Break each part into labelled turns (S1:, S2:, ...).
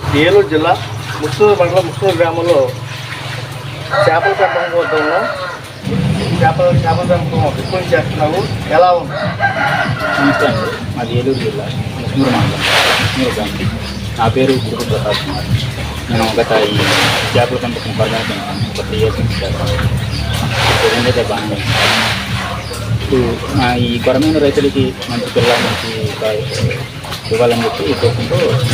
S1: ఏలూరు జిల్లా ముస్తూరు మండలం ముస్తూరు గ్రామంలో చేపల పెంపకం వద్ద చేపల పెంపకం ఎక్కువ చేస్తున్నావు, ఎలా ఉంది?
S2: నమస్తే అండి, మాది ఏలూరు జిల్లా ముస్నూరు మండలం ముస్నూరు గ్రామం. నా పేరు గురుకు ప్రసాద్ కుమార్. నేను గత ఈ చేపల పెంపకం పరమైన ఒక 3 years నుంచి చేస్తాను. ఏంటంటే బాగానే ఇప్పుడు ఈ కొరమైన రైతులకి మంచి పిల్లల మంచి ఇవ్వాలని చెప్పి ఈ కోసంతో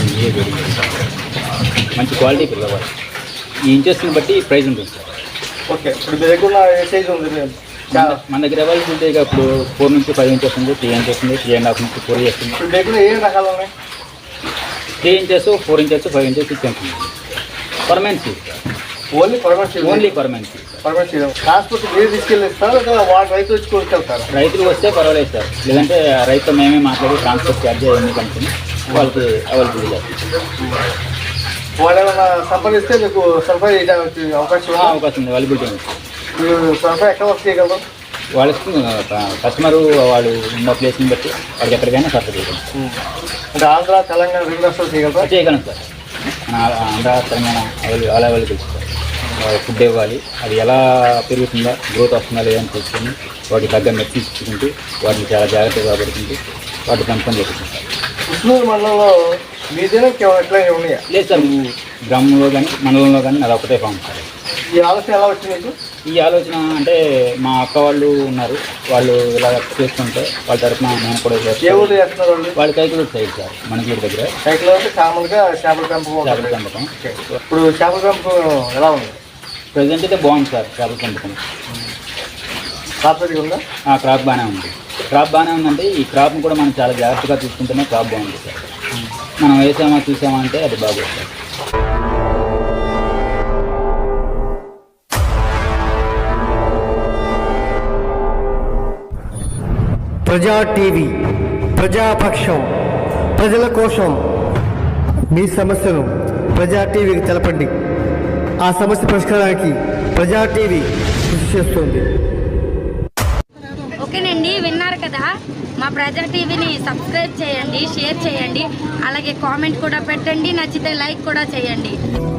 S2: మంచి క్వాలిటీ పిల్లవాడు. ఈ ఇంచెస్ని బట్టి ప్రైజ్ ఉంటుంది సార్.
S1: ఓకే, ఇప్పుడు మీ దగ్గర ఏ సైజ్ ఉంది?
S2: మన దగ్గర అవైలబుల్ ఉంటాయి. ఇప్పుడు 4 నుంచి 5 inches ఉంది, 3 inches ఉంది, 3.5 నుంచి 4 years ఉంది.
S1: ఇప్పుడు దగ్గర ఏ రకాలు ఉన్నాయి?
S2: 3 inches, 4 inches, 5 inches, 6 inches. Permanent seed.
S1: Only permanent seed.
S2: Only permanent seed.
S1: Permanent seed. Transport మీరు తీసుకెళ్ళిస్తారా లేదా వాళ్ళు రైతు వచ్చి కొనుక్కెళ్తారా?
S2: రైతులు వస్తే పర్వాలేదు సార్, లేదంటే రైతు మేమే మాట్లాడి ట్రాన్స్పోర్ట్ ఛార్జ్ అవన్నీ కనుక్కొని వాళ్ళకి అవైలబుల్ చేస్తాం.
S1: వాళ్ళు ఏమైనా సంపాదిస్తే మీకు సరఫరా చేయడానికి అవకాశం
S2: ఉంది, అవైలబిలిటీ ఉంది.
S1: మీరు సరఫరా ఎక్కడ వర్క్ చేయగలరు?
S2: వాళ్ళకి కస్టమరు వాళ్ళు ఉన్న ప్లేస్ని బట్టి వాళ్ళకి ఎక్కడికైనా సరఫరా చేయగలం.
S1: అంటే ఆంధ్ర, తెలంగాణ 2 రాష్ట్రాలు చేయగలరా?
S2: చేయగలం సార్. మన Andhra, Telangana available sir. Food ఇవ్వాలి, అది ఎలా పెరుగుతుందా, గ్రోత్ వస్తుందా లేదని చూసుకొని వాటికి తగ్గ మెట్టి ఇచ్చుకుంటూ వాటిని చాలా జాగ్రత్తగా పెట్టుకుంటూ వాటి పెంపకం చేస్తుంది సార్.
S1: ముస్నూరు మండలంలో మీదేనా ఎట్లా ఉన్నాయా?
S2: లేదు సార్, గ్రామంలో కానీ మండలంలో కానీ అది ఒకటే ఫామ్ సార్.
S1: ఈ ఆలోచన ఎలా వచ్చింది మీకు?
S2: ఈ ఆలోచన అంటే మా అక్క వాళ్ళు ఉన్నారు, వాళ్ళు ఇలా చేస్తుంటే వాళ్ళ తరఫున నేను కూడా
S1: ఏ ఊరు చేస్తున్నారు వాళ్ళు?
S2: వాళ్ళు కైకులూరు సైడ్ సార్, మనకి దగ్గర.
S1: కైకులు అంటే కామన్గా చేపల పెంపకం. ఇప్పుడు చేపల పెంపకం ఎలా ఉంది?
S2: ప్రజెంట్ అయితే బాగుంది సార్ చేపల పెంపకం.
S1: క్రాప్ ఉందా?
S2: క్రాప్ బాగానే ఉంది. క్రాప్ బాగానే ఉందంటే ఈ క్రాప్ని కూడా మనం చాలా జాగ్రత్తగా చూసుకుంటేనే క్రాప్ బాగుంది సార్. మనం వేసామా చూసామా అంటే అది బాగుంది సార్.
S3: ప్రజా టీవీ, ప్రజాపక్షం, ప్రజల కోసం. మీ సమస్యను ప్రజా టీవీకి తెలపండి. ఆ సమస్య పరిష్కారానికి ప్రజా టీవీ కృషి చేస్తుంది.
S4: ఓకేనండి, విన్నారు కదా. మా ప్రజా టీవీని సబ్స్క్రైబ్ చేయండి, షేర్ చేయండి, అలాగే కామెంట్ కూడా పెట్టండి, నచ్చితే లైక్ కూడా చేయండి.